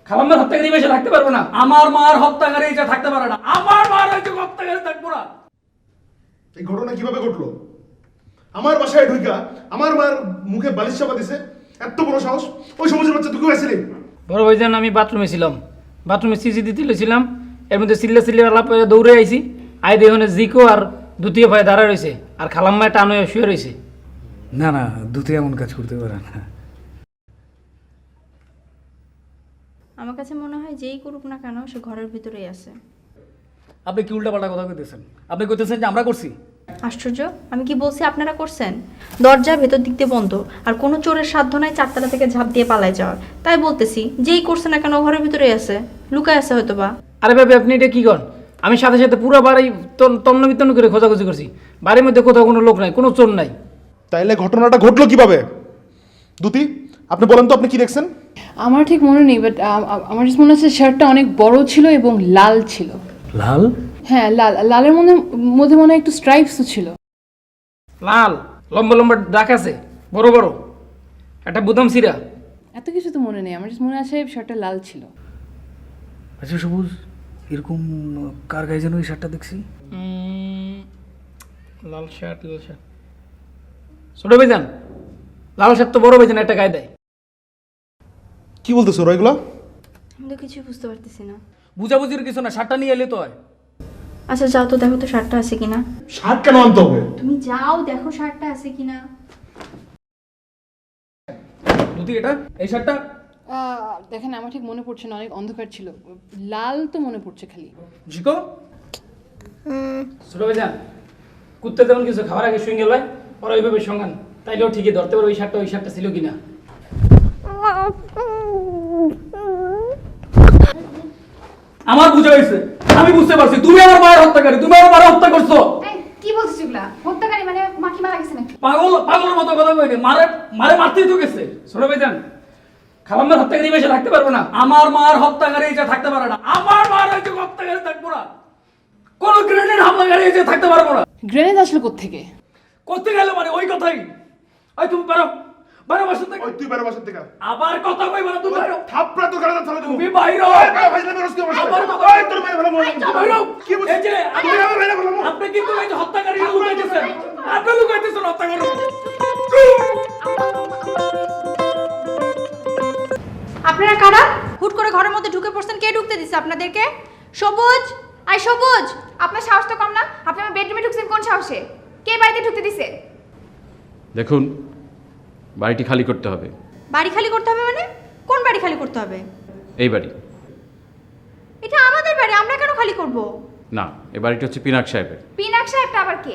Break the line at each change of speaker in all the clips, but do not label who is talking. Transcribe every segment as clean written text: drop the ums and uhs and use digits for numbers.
খালাম্মার হত্যাকারী বেশি থাকতে পারবো না।
আমার মার হত্যাকারী এটা থাকতে পারে না। আমার মার হয়তো হত্যাকারী থাকবো না।
এই ঘটনা কিভাবে ঘটলো? আমার বাসায় ঢুকা আমার মার মুখে বালিশ চাপা দিছে, এত বড় সাহস! ওই সমাজের বাচ্চা তুই আসিলি?
বড় ভাইজান, আমি বাথরুমে ছিলাম, বাথরুমে সিসি দিতে ছিলাম, এর মধ্যে চিল্লা চিল্লি আলাপ হয়ে দৌড়ে আইছি, আই দেখুন জিকো আর দ্বিতীয় ভাই দাঁড়া রয়েছে, আর খালাম্মায় টান হয়ে শুয়ে রয়েছে।
না না, দুতে এমন কাজ করতে পারে না।
আমার কাছে মনে হয় যেই করুক না কেন সে ঘরের ভিতরেই আছে।
আপনি কি উল্টাপাল্টা কথা কইতেছেন? আপনি কইতেছেন যে আমরা করছি?
আশ্চর্য, আমি কি বলছি আপনারা করছেন? দরজা ভেতর দিক দিয়ে বন্ধ, আর কোনো চোরের সাধ্য নাই চারতলা থেকে ঝাঁপ দিয়ে পালায় যাওয়ার। তাই বলতেছি যেই করছে না কেন ঘরের ভিতরেই আছে, লুকায় আছে হয়তো বা।
আরে ভাবি, আপনি এটা কি করেন? আমি সাথে সাথে পুরো বাড়ি তন্ন বিতন্ন করে খোঁজাখুঁজি করছি, বাড়ির মধ্যে কোথাও কোনো লোক নাই, কোনো চোর নাই।
তাইলে ঘটনাটা ঘটলো কিভাবে? দুতি, আপনি বলেন তো আপনি কি দেখছেন?
আমার ঠিক মনে নেই, বাট আমার just মনে হচ্ছে শার্টটা অনেক বড় ছিল এবং লাল ছিল।
লাল?
হ্যাঁ, লাল। লালের মধ্যে মনে হয় একটু স্ট্রাইপসও ছিল।
লাল, লম্বা লম্বা দাগ আছে, বড় বড়, একটা বুদাম সিরা।
এত কিছু তো মনে নেই, আমার just মনে আছে শার্টটা লাল ছিল।
আচ্ছা সবুজ, এরকম কার গায়ে যেন ওই শার্টটা দেখছি?
লাল শার্ট, লাল শার্ট, ছোট ভাইজান, লাল শার্ট তো বড় ভাইজান একটা গায়ে দেয়।
কি বলতেছো ওরা এগুলা?
আমি তো কিছুই বুঝতে পারতেছি না।
বুঝাবুঝির কিছু না, শার্টটা নিয়ে এলে তো হয়।
আচ্ছা যাও তো দেখো তো শার্টটা আছে কিনা।
শার্ট কেন আনতে হবে?
তুমি যাও দেখো শার্টটা আছে কিনা।
দুতি, এটা এই শার্টটা?
দেখেন, আমার ঠিক মনে পড়ছে না, অনেক অন্ধকার ছিল। লাল তো মনে পড়ছে খালি।
জিকো,
ছোট ভাইজান, কুত্তে যেমন কিছু খাবার আগে শুয়ে গেল ওরা ওইভাবে সঙ্গান, তাইলেও ঠিকই ধরতে পারো ওই শার্টটা ছিল কিনা।
আমার বুঝা হয়েছে, আমি বুঝতে পারছি তুমি আমার মায়ের হত্যাকারী, তুমি আমার মায়ের হত্যা করছো।
কি বলছিস এগুলা? হত্যাকারী মানে মাখি মারা গেছে নাকি?
পাগলের মতো কথা কইনি, মারে মারতেই তো গেছে।
ছোট ভাইজান, খালাম্মার হত্যাকারী বেশি থাকতে পারবো না।
আমার মার হত্যাকারী এটা থাকতে পারে না। আমার মার হয়তো হত্যাকারী থাকবো না। কোন গ্রেনেড হামলাকারী এটা থাকতে পারবো না।
গ্রেনেড আসলে কোত্থেকে?
করতে গেলে মানে ওই কথাই। ওই তুমি পারো, বাইরে বাসা থেকে।
ওই তুই বেরো বাসা থেকে।
আবার কথা কইবা না, তুমি বাইরে।
থাপড়া তো গাড়া চালা দেবো।
তুমি বাইরে।
ভাইজান বেরোস কি আমার
আমার
সাথে?
কথা-
ওই তোর মেরে ফেলা মরে যাবে।
বাইরে।
কি বলছিস?
এই যে
তুই আমার মেরে ফেলা মরে।
আপনি কিন্তু এই যে হত্যাকারী লুকাইতেছেন, আপনি লুকাইতেছেন হত্যাকারী।
আপনারা কারা? হুট করে ঘরের মধ্যে ঢুকে পড়ছেন, কে ঢুকতে দিছে আপনাদেরকে? সবুজ, আই সবুজ,
আপনার সাহস তো কম না? আপনি আমার বেডরুমে ঢুকছেন কোন সাহসে? কে বাড়িতে ঢুকতে দিছে?
দেখুন, বাড়িটি খালি করতে হবে।
বাড়ি খালি করতে হবে মানে? কোন বাড়ি খালি করতে হবে?
এই বাড়ি
এটা আমাদের বাড়ি, আমরা কেন খালি করব?
না, এই বাড়িটি হচ্ছে পিনাক সাহেবের।
পিনাক সাহেবটা আবার কে?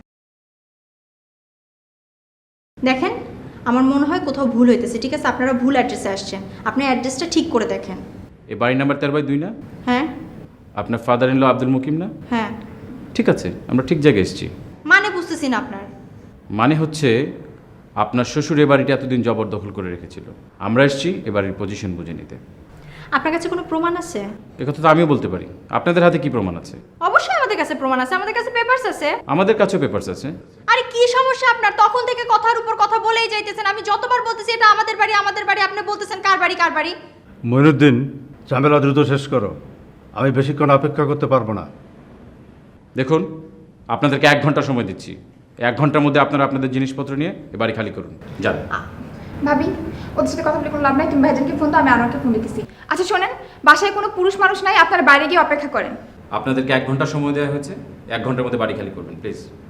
দেখেন, আমার মনে হয় কোথাও ভুল হইতেছে। ঠিক আছে, আপনারা ভুল অ্যাড্রেসে আসছেন, আপনি অ্যাড্রেসটা ঠিক করে দেখেন।
এই বাড়ি নাম্বার 13/2 না?
হ্যাঁ
আপনার father in law Abdul Mukim না?
হ্যাঁ।
ঠিক আছে, আমরা ঠিক জায়গায় এসেছি।
মানে বুঝতেছি না আপনার।
মানে হচ্ছে আপনার শ্বশুর এ বাড়িটি এতদিন জবরদখল করে রেখেছিল। আমরা এসেছি এ বাড়ির পজিশন বুঝে নিতে।
আপনার কাছে কোনো প্রমাণ আছে?
একথা তো আমিও বলতে পারি। আপনাদের হাতে কি প্রমাণ আছে?
অবশ্যই আমাদের কাছে প্রমাণ আছে, আমাদের কাছে পেপারস আছে।
আমাদের কাছেও পেপারস আছে।
আরে কি সমস্যা আপনার? তখন থেকে কথার উপর কথা বলেই যাইতেছেন। আমি যতবার বলতেছি এটা আমাদের বাড়ি আমাদের বাড়ি, আপনি বলতেছেন কার বাড়ি কার বাড়ি।
মইনুদ্দিন, ঝামেলা দ্রুত শেষ করো। আমি বেশিক্ষণ অপেক্ষা করতে পারবো না।
দেখুন, আপনাদেরকে 1 ঘন্টা সময় দিচ্ছি। 1 ঘন্টার মধ্যে আপনারা আপনাদের জিনিসপত্র নিয়ে এ বাড়ি খালি করুন। যান।
ভাবি, ওদের সাথে কথা বলে কোনো লাভ নাই। তুমি ভাইজানকে ফোন দাও, আমি আনোয়ারকে ফোন দিতেছি। আচ্ছা শোনেন, বাসায় কোনো পুরুষ মানুষ নাই, আপনারা বাইরে গিয়ে অপেক্ষা করেন।
আপনাদেরকে 1 ঘন্টা সময় দেওয়া হয়েছে। 1 ঘন্টার মধ্যে বাড়ি খালি করবেন প্লিজ।